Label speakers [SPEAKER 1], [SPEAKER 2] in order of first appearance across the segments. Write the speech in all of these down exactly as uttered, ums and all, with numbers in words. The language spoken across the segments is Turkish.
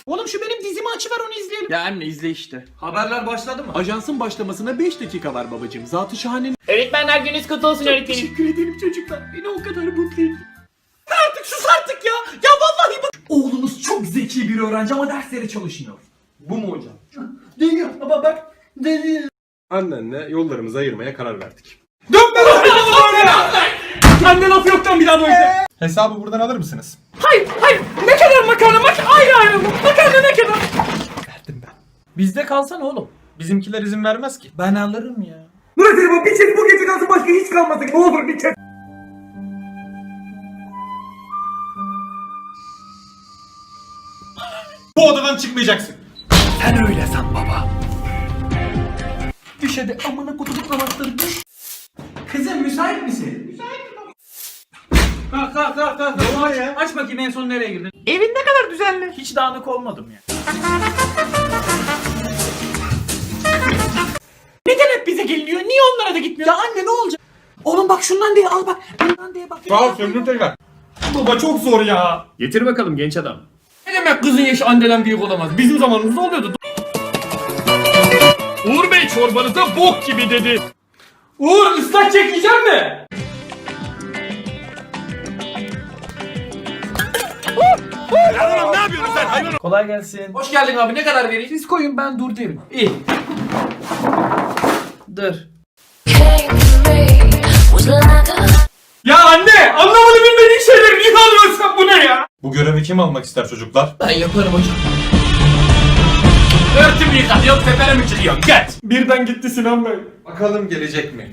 [SPEAKER 1] Oğlum şu benim dizimi açıver onu izleyelim.
[SPEAKER 2] Ya anne izle işte.
[SPEAKER 1] Haberler başladı mı?
[SPEAKER 2] Ajansın başlamasına beş dakika var babacığım. Zatı şahanenin.
[SPEAKER 3] Öğretmenler gününüz kutlu olsun öğretmenim.
[SPEAKER 2] Teşekkür ederim çocuklar. Beni o kadar mutlu ettin.
[SPEAKER 1] Artık sus artık ya. Ya vallahi bak. Oğlunuz çok zeki bir öğrenci ama derslere çalışmıyor.
[SPEAKER 2] Bu mu hocam?
[SPEAKER 1] Değil baba bak. Değil.
[SPEAKER 4] Annenle yollarımızı ayırmaya karar verdik.
[SPEAKER 1] Dönme lan oraya. Sende laf yoktan bir daha böyle.
[SPEAKER 4] Hesabı buradan alır mısınız?
[SPEAKER 1] Hayır hayır. Ne kadar makarna mak ayrı ayrı mı? Makarna ne kadar?
[SPEAKER 4] Verdim ben.
[SPEAKER 1] Bizde kalsana oğlum.
[SPEAKER 4] Bizimkiler izin vermez ki.
[SPEAKER 1] Ben alırım ya.
[SPEAKER 5] Murat bu bir çek bu gece kalsın başka hiç kalmasın. Ne olur bir çek.
[SPEAKER 4] Bu odadan çıkmayacaksın.
[SPEAKER 1] Sen öyle san baba. Düş hadi amına kutuluk namazları düş. Kızım müsait misin? Müsaitim baba. Kalk kalk kalk kalk. Ne var ya? Aç bakayım en son nereye girdin?
[SPEAKER 3] Evin ne kadar düzenli.
[SPEAKER 1] Hiç dağınık olmadım ya. Neden hep bize geliniyor? Niye onlara da gitmiyor? Ya anne ne olacak? Oğlum bak şundan diye al bak. Bundan diye bak.
[SPEAKER 4] Sağ ol söndür tekrar.
[SPEAKER 1] Baba çok zor ya.
[SPEAKER 2] Getir bakalım genç adam.
[SPEAKER 1] Ne demek kızın yaşı anneden büyük olamaz? Bizim zamanımızda oluyordu.
[SPEAKER 2] Uğur Bey çorbanıza bok gibi dedi.
[SPEAKER 1] Uğur ıslak çekeceğim mi?
[SPEAKER 4] Ne yapıyorsun sen hayvan?
[SPEAKER 1] Kolay gelsin. Hoş geldin abi. Ne kadar vereyim? Siz koyun ben dur derim. İyi. Dur. Ya anne! Anlamadı bilmediğin şeyleri niye alıyorsun sen bu ne ya?
[SPEAKER 4] Bu görevi kim almak ister çocuklar?
[SPEAKER 1] Ben yaparım hocam. Örtümü yıkatıyor, tepene mi çıkıyor? Geç! Birden gitti Sinan Bey.
[SPEAKER 4] Bakalım gelecek mi?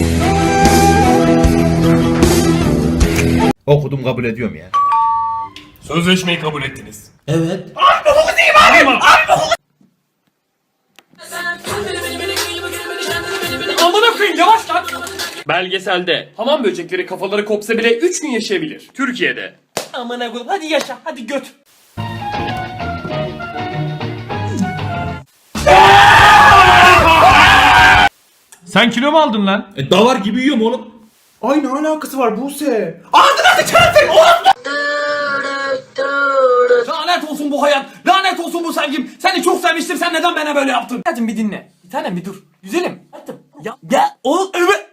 [SPEAKER 6] Okudum kabul ediyorum ya.
[SPEAKER 2] Sözleşmeyi kabul ettiniz.
[SPEAKER 1] Evet. Amına koyayım yavaş lan!
[SPEAKER 2] Belgeselde hamam böcekleri kafaları kopsa bile üç gün yaşayabilir. Türkiye'de.
[SPEAKER 1] Amına koyayım hadi yaşa hadi göt. Sen kilo mu aldın lan?
[SPEAKER 6] E davar gibi yiyorum oğlum.
[SPEAKER 4] Ay ne alakası var Buse?
[SPEAKER 1] Lanet olsun bu hayat. Lanet olsun bu sevgim. Seni çok sevmiştim. Sen neden bana böyle yaptın? Hadi bir dinle. Bir tanem bir dur. Güzelim. Hadi. Ya ya o evet.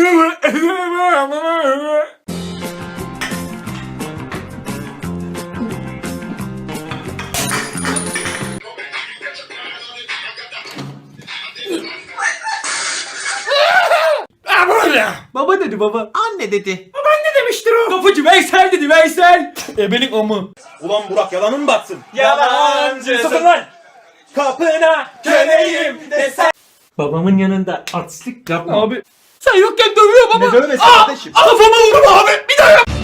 [SPEAKER 1] Baba dedi baba. Anne dedi. Babaanne demiştir o. Kapıcı Veysel dedi Veysel.
[SPEAKER 6] Ebenin amı. Ulan Burak yalanın mı batsın?
[SPEAKER 1] Yalancı.
[SPEAKER 6] Sakın lan. Kapına köleyim desen.
[SPEAKER 1] Babamın yanında artistlik yapma. Abi. Sen yokken dövüyor baba.
[SPEAKER 6] Ne dövmesi
[SPEAKER 1] Aa,
[SPEAKER 6] kardeşim?
[SPEAKER 1] kafama vurma abi. Bir daha yap.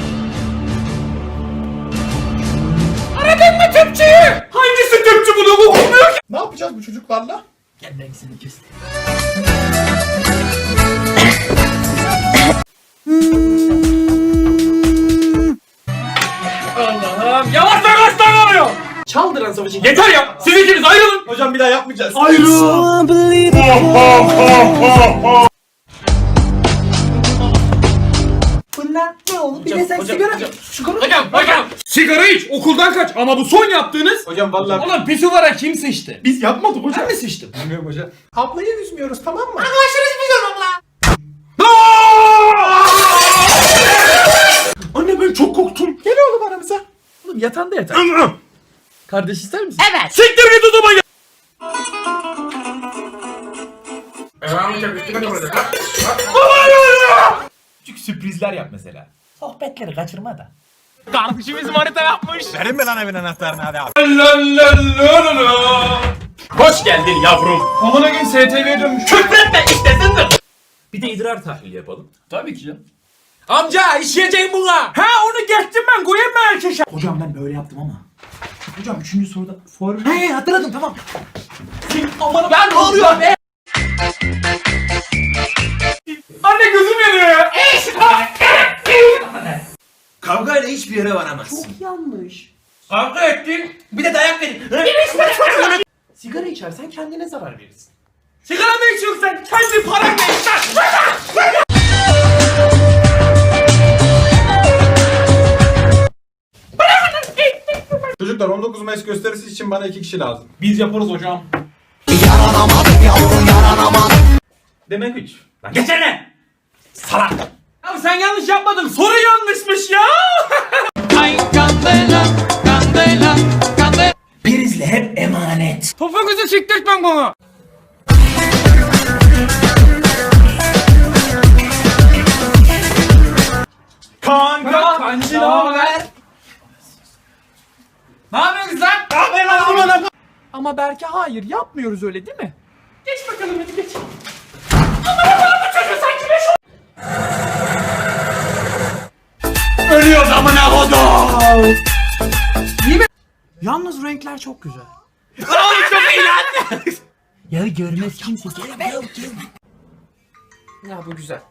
[SPEAKER 1] Aradın mı tüpçüyü? Hangisi tüpçü bunu bu olmuyor ki?
[SPEAKER 4] Ne yapacağız bu çocuklarla?
[SPEAKER 1] Gel ben seni kestim. Allah'ım yavaş yavaş davranıyor. Çaldıran savaşı. Yeter ya. Siz ikiniz ayrılın.
[SPEAKER 6] Hocam bir daha yapmayacağız.
[SPEAKER 1] Ayrıl. Bunlar ne oğlum? Bir de sen sigara iç. Sigara Hocam hocam. Sigara iç. Okuldan kaç. Ama bu son yaptığınız.
[SPEAKER 4] Hocam vallahi
[SPEAKER 1] Oğlum pisuvara kim sıçtı?
[SPEAKER 4] biz yapmadık hocam.
[SPEAKER 1] Ben mi sıçtım?
[SPEAKER 4] Bilmiyorum hocam. Ablayı üzmüyoruz tamam mı?
[SPEAKER 1] Anne ben çok korktum.
[SPEAKER 4] Gel oğlum aramıza.
[SPEAKER 1] Oğlum yatağında yatar. Kardeş ister misin?
[SPEAKER 3] Evet.
[SPEAKER 1] Siktir git odama ya. Küçük sürprizler yap mesela. Sohbetleri kaçırma da.
[SPEAKER 2] Kardeşimiz manita yapmış.
[SPEAKER 6] Verin mi lan evin anahtarını hadi abi.
[SPEAKER 2] Hoş geldin yavrum.
[SPEAKER 1] Amına gün S T V'ye dönmüş.
[SPEAKER 2] Küfretme iştesindir.
[SPEAKER 1] Bir de idrar tahlili yapalım.
[SPEAKER 2] Tabii ki canım.
[SPEAKER 1] Amca işleyeceğim buna. Ha onu geçtim ben koyayım mı erkeşe? Hocam ben böyle yaptım ama. Hocam üçüncü soruda form... He hatırladım tamam. Aman ben ne oluyor be? Anne gözüm yanıyor ya.
[SPEAKER 6] Kavgayla hiçbir yere varamazsın.
[SPEAKER 1] Çok yanlış. Kavga ettin. Bir de dayak verin. Sigara içersen kendine zarar verirsin. Sigara mı içiyorsun sen? Kendi paranla iç lan.
[SPEAKER 4] Çocuklar on dokuz Mayıs gösterisi için bana iki kişi lazım.
[SPEAKER 1] Biz yaparız hocam.
[SPEAKER 5] Demek üç.
[SPEAKER 1] Lan geçene. Salak. Abi sen yanlış yapmadın. Soru yanlışmış ya. Prizle hep emanet.
[SPEAKER 3] Topuğunuzu siktirtmem bana.
[SPEAKER 1] Kanka. Kancı ne haber? Ne yapıyorsun lan?
[SPEAKER 3] Ama belki hayır yapmıyoruz öyle değil mi?
[SPEAKER 1] Geç bakalım hadi geç. Ölüyor amına kodum.
[SPEAKER 3] Yalnız renkler çok güzel.
[SPEAKER 1] Oğlum çok iyi lan.
[SPEAKER 3] Ya görmez kimse. Ya bu güzel.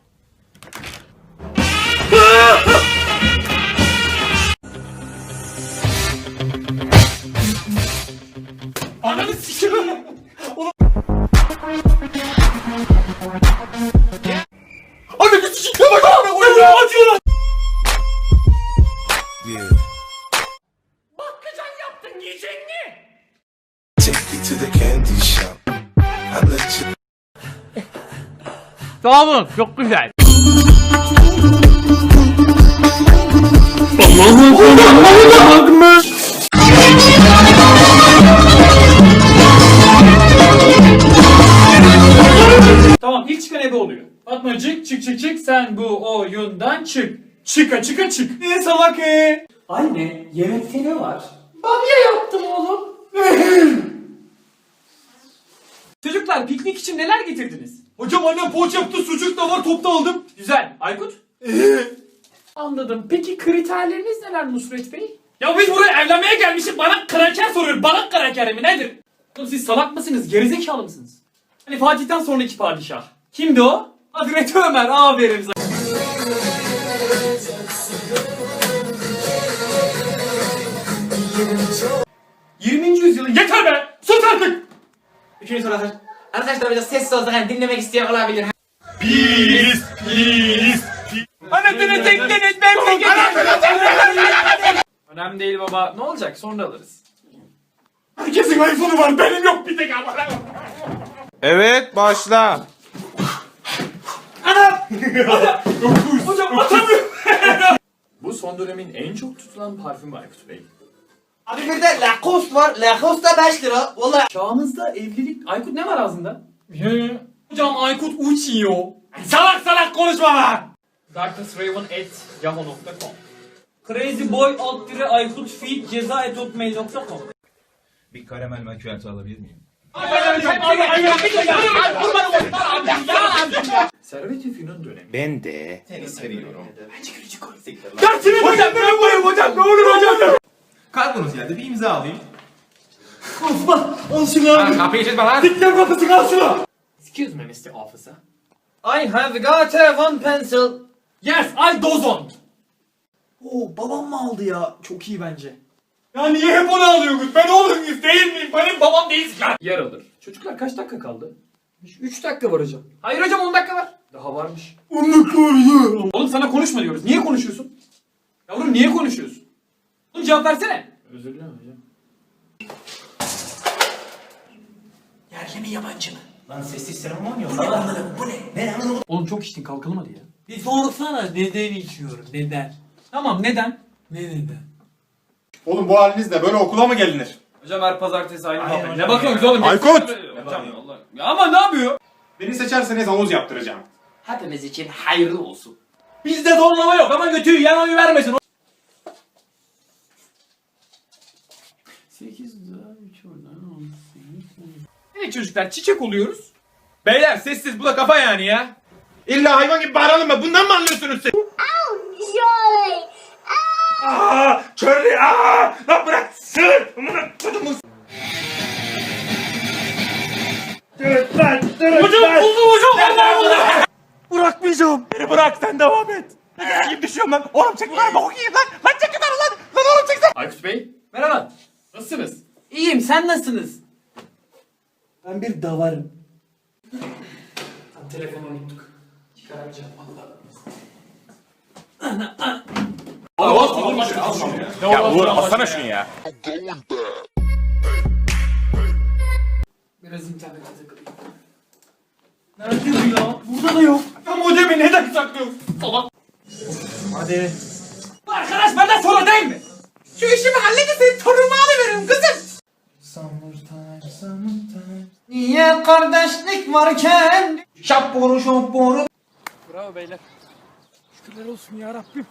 [SPEAKER 1] Ananı sikiyorum. Ananı sikiyorum. Bak acıyor lan. Bakkacan yaptın yiyecek mi?
[SPEAKER 7] Take me to the candy shop. I let you.
[SPEAKER 3] Sağ olun çok güzel.
[SPEAKER 2] Tamam ilk çıkan ebe oluyor. Fatmacık çık çık çık sen bu oyundan çık. Çıka çıka çık.
[SPEAKER 1] Ne salak e?
[SPEAKER 2] Anne yemekte ne var? Çocuklar piknik için neler getirdiniz?
[SPEAKER 1] Hocam annem poğaça yaptı, sucuk da var, topta aldım.
[SPEAKER 2] Güzel. Aykut? Anladım. Peki kriterleriniz neler Nusret Bey? Ya biz buraya evlenmeye gelmişiz. Bana kraker soruyor. Bana kraker mi nedir? Oğlum siz salak mısınız? Gerizekalı mısınız? Hani Fatih'ten sonraki padişah. Kimdi o? Hazreti Ömer. Aferin sana. yirminci yüzyılın yeter be! Sus artık!
[SPEAKER 3] Üçüncü soru hazır. Arkadaşlar biraz sessiz olsak hani dinlemek isteyen olabilir.
[SPEAKER 1] Pis, pis.
[SPEAKER 2] Anasını tekleniz memleketi! Önemli değil baba. Ne olacak? Sonra alırız.
[SPEAKER 1] Herkesin iPhone'u var, benim yok bir tek ama.
[SPEAKER 6] Evet başla.
[SPEAKER 2] Hocam atamıyorum. Bu son dönemin en çok tutulan parfümü Aykut Bey.
[SPEAKER 3] Abi bir de Lacoste var. Lacoste da beş lira. Valla.
[SPEAKER 2] Çağımızda evlilik... Aykut ne var ağzında? Hocam Aykut uçuyor.
[SPEAKER 1] Salak salak konuşma lan.
[SPEAKER 2] darknessraven at yahoo nokta com Crazyboy alt dire Aykut feed ceza et hotmail nokta com
[SPEAKER 8] Bir karamel macchiato alabilir miyim?
[SPEAKER 2] Servet-i Fünun dönemi.
[SPEAKER 6] Ben de.
[SPEAKER 1] Dersini hocam ben koyayım hocam, ne olur hocam.
[SPEAKER 8] Kargonuz geldi, bir imza alayım.
[SPEAKER 1] Osman, al şunu abi.
[SPEAKER 3] Kapıyı çizme lan.
[SPEAKER 1] Dikten kapısı, al şunu.
[SPEAKER 2] Excuse me mister Officer.
[SPEAKER 3] I have got a one pencil.
[SPEAKER 2] Yes, I dozon.
[SPEAKER 1] Oo, babam mı aldı ya? Çok iyi bence. Ya niye hep onu alıyorsunuz? Ben oğlum muyuz değil miyim? Benim babam değilsin lan.
[SPEAKER 2] Yer alır. Çocuklar kaç dakika kaldı?
[SPEAKER 3] üç dakika var hocam.
[SPEAKER 2] Hayır hocam on dakika var. Daha varmış.
[SPEAKER 1] Onu koruyor.
[SPEAKER 2] Oğlum sana konuşma diyoruz. Niye konuşuyorsun? Yavrum niye konuşuyorsun? Oğlum cevap versene. Özür dilerim hocam.
[SPEAKER 1] Yerli mi yabancı mı?
[SPEAKER 8] Lan sessiz seremon yok. Lan
[SPEAKER 1] Bu ne? Ne anladın?
[SPEAKER 2] Oğlum çok içtin kalkalım hadi ya.
[SPEAKER 1] Bir sorsana neden içiyorum? Neden?
[SPEAKER 2] Tamam neden?
[SPEAKER 1] Ne neden?
[SPEAKER 4] Oğlum bu halinizle böyle okula mı gelinir?
[SPEAKER 2] Hocam her pazartesi aynı
[SPEAKER 8] Aynen
[SPEAKER 2] muhabbet.
[SPEAKER 8] hocam
[SPEAKER 2] Ne bakıyorsunuz
[SPEAKER 8] ya.
[SPEAKER 2] oğlum?
[SPEAKER 4] Aykut!
[SPEAKER 2] Hocam Allah. Ya ama ne yapıyor?
[SPEAKER 4] Beni seçerseniz havuz yaptıracağım.
[SPEAKER 3] Hepimiz için hayırlı olsun.
[SPEAKER 1] Bizde zorlama yok ama götüyü yan oyu vermesin.
[SPEAKER 2] sekiz daha üç oradan on sekiz. Evet çocuklar çiçek oluyoruz.
[SPEAKER 6] Beyler sessiz bu da kafa yani ya. İlla hayvan gibi bağıralım mı? Bundan mı anlıyorsunuz siz?
[SPEAKER 9] Surely.
[SPEAKER 6] Aaa! Körlü! Aaa! Lan bırak! Sığır! Amına kodumun!
[SPEAKER 1] Hocam buldum hocam. Vallahi buldum.
[SPEAKER 6] Bırakmayacağım! Beni bırak sen devam et! Ne gibi düşüyorum lan? Oğlum çek yukarı bak okuyayım lan! Lan çek yukarı lan! Lan oğlum çek sen!
[SPEAKER 2] Aykut Bey merhaba. Nasılsınız?
[SPEAKER 3] İyiyim sen nasılsınız?
[SPEAKER 1] Ben bir davarım.
[SPEAKER 2] Telefonu unuttuk. Çıkaramayacağım valla.
[SPEAKER 6] Ya Uğur alsana şunu ya.
[SPEAKER 2] Biraz internete takılayım. Nerede bu ya? Burada da yok. Ya modemi neden saklıyorsun? Salak.
[SPEAKER 1] Hadi.
[SPEAKER 2] Bu arkadaş benden sonra değil mi? Şu işimi halledin senin torunumu alıveririm kızım.
[SPEAKER 1] Summertime, summertime. Niye kardeşlik varken? Şapboru şapboru.
[SPEAKER 2] Bravo beyler. Şükürler olsun ya Rabbim.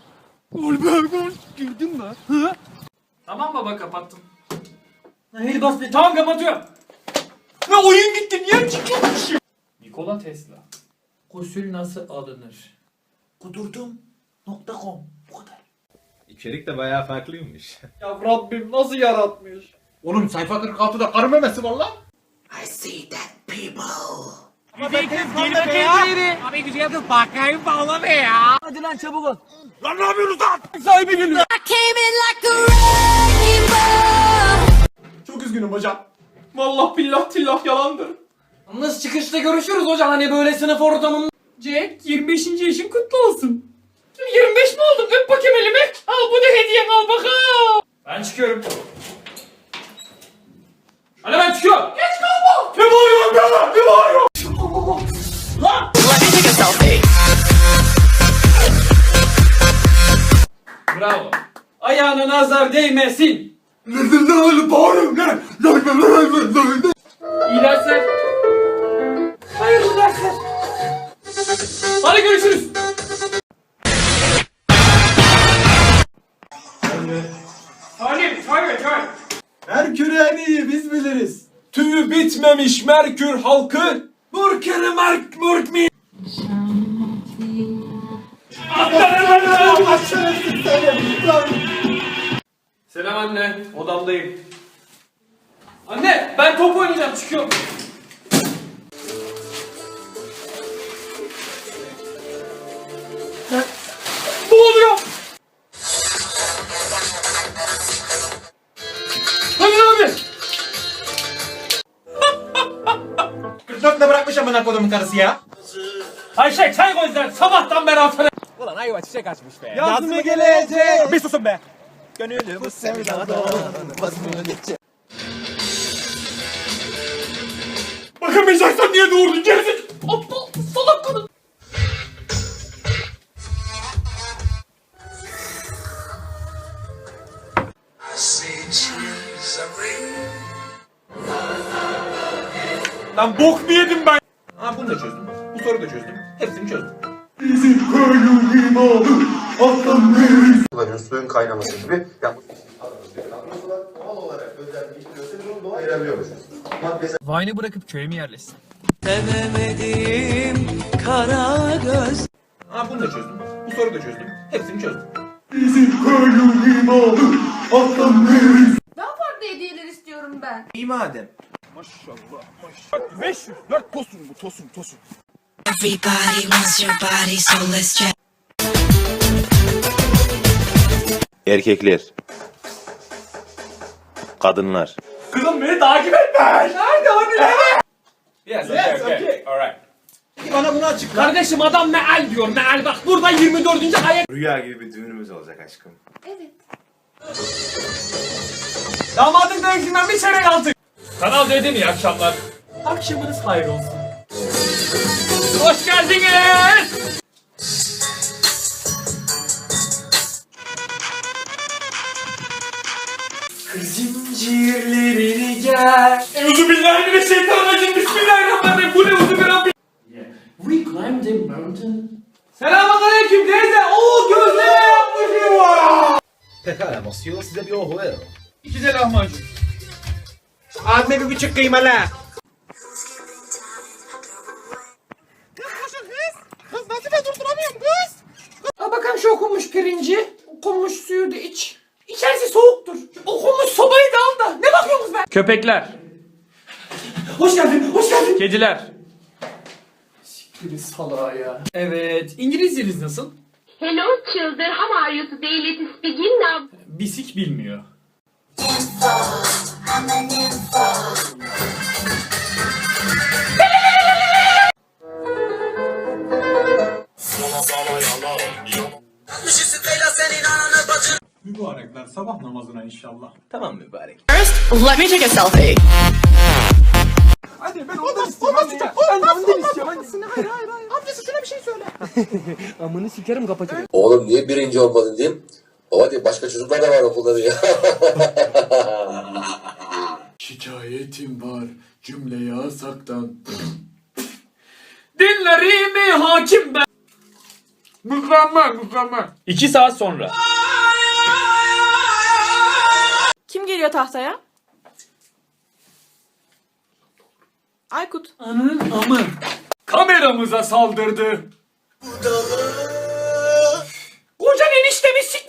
[SPEAKER 2] Girdin mi? Hı? Tamam baba kapattım. Hayır bas be. Tamam kapatıyorum. Ne oyun gitti niye çıkıyormuş? Nikola Tesla. Gusül nasıl alınır?
[SPEAKER 1] Kudurdum. Nokta com. Bu kadar.
[SPEAKER 8] İçerik de bayağı farklıymış.
[SPEAKER 2] Ya Rabbim nasıl yaratmış?
[SPEAKER 4] Oğlum sayfa kırk altıda karı memesi var lan.
[SPEAKER 1] I see that people.
[SPEAKER 4] Çok üzgünüm hocam.
[SPEAKER 2] Vallahi billah tillah yalandır. Yalnız çıkışta görüşürüz hocam hani böyle sınıf ortamında. Jack yirmi beşinci yaşın kutlu olsun. yirmi beş mi oldun? Öp bakayım elimi. Al bu da hediyen al bakalım. Ben çıkıyorum. Hadi ben çıkıyorum. Geç kalma. Ne bağırıyorsun be? Ne bağırıyorsun? Lan! Bravo. Ayağına nazar değmesin. İyi dersler. Hayırlı dersler. Hadi görüşürüz. Halim, çay ver, çay.
[SPEAKER 1] Merkür en iyi biz biliriz. Tüyü bitmemiş Merkür halkı. Murkeri Merk Murk mi?
[SPEAKER 2] Selam anne, odamdayım. Anne, ben top oynayacağım, çıkıyorum. Ne oluyor? Hadi abi.
[SPEAKER 3] kırk dörtte bırakmış amına kodumun karısı ya.
[SPEAKER 2] Ayşe çay koy sen, sabahtan beri hafta.
[SPEAKER 6] Yazımı gelecek. Bir susun be. Gönülü bu sevdadan vazgeçecek.
[SPEAKER 2] Bakamayacaksan niye doğurdun gerizek? Aptal, salak kadın.
[SPEAKER 6] Lan bok mu yedim ben?
[SPEAKER 3] Ha bunu da çözdüm. Bu soruyu da çözdüm. Hepsini çözdüm.
[SPEAKER 10] Suyun kaynaması gibi yapmış. Doğal olarak özelliği gösterir onu doğal ayırabiliyormuşuz.
[SPEAKER 2] Vine'ı bırakıp köye mi yerleşsin?
[SPEAKER 3] Ha bunu da çözdüm. Bu soruyu da çözdüm. Hepsini çözdüm.
[SPEAKER 9] Daha farklı hediyeler istiyorum ben.
[SPEAKER 3] İyi madem.
[SPEAKER 6] beş yüz dört tosun bu tosun tosun.
[SPEAKER 11] Everybody wants your body, so let's check.
[SPEAKER 8] Erkekler. Kadınlar.
[SPEAKER 2] Kızım beni takip etme. Nerede o ne?
[SPEAKER 6] Yes, okay, okay. Alright.
[SPEAKER 3] Peki bana bunu açıkla.
[SPEAKER 2] Kardeşim adam meal diyor meal bak burada yirmi dördüncü ayet.
[SPEAKER 10] Rüya gibi bir düğünümüz olacak aşkım.
[SPEAKER 9] Evet.
[SPEAKER 2] Damadın dövüşünden bir çeyrek aldık. Kanal dedim iyi akşamlar. Akşamınız hayır olsun. Hoş geldiniz.
[SPEAKER 1] Zincirlerini gel.
[SPEAKER 2] Euzubillahimineşşeytanirracim. Bismillahirrahmanirrahim. Bu ne uzubillahirrahmanirrahim. We climbed a mountain. Selamünaleyküm teyze. Oo gözleme yapmışım var.
[SPEAKER 10] Pekala Mosyo, size bir ohu ver.
[SPEAKER 2] İki de lahmacun.
[SPEAKER 3] Abime bir buçuk kıymalı.
[SPEAKER 2] Al bakalım şu okunmuş pirinci. Okunmuş suyu da iç. İçerisi soğuktur. Okunmuş sobayı da al da. Ne bakıyorsunuz be? Köpekler. Hoş geldin, hoş geldin. Kediler. Siktir salağa ya. Evet, İngilizceniz nasıl?
[SPEAKER 9] Hello children, how are you today? Let's begin now.
[SPEAKER 2] Bisik bilmiyor.
[SPEAKER 4] Mübarekler sabah namazına inşallah.
[SPEAKER 8] Tamam mübarek.
[SPEAKER 11] Let me take a selfie.
[SPEAKER 4] Hadi ben ondan istiyorum. Hadi. Ben de ondan istiyorum. Hangisini? Hayır hayır hayır. Amcası şuna bir şey söyle.
[SPEAKER 10] Oğlum niye birinci olmadın diyeyim. Baba diye başka çocuklar da var okulda diyor.
[SPEAKER 4] Şikayetim var cümle yasaktan.
[SPEAKER 2] Dinlerimi hakim ben.
[SPEAKER 4] Mükemmel mükemmel.
[SPEAKER 2] İki saat sonra.
[SPEAKER 9] Kim geliyor tahtaya? Aykut.
[SPEAKER 2] Anın amı. Kameramıza saldırdı. Kocan eniştemi sik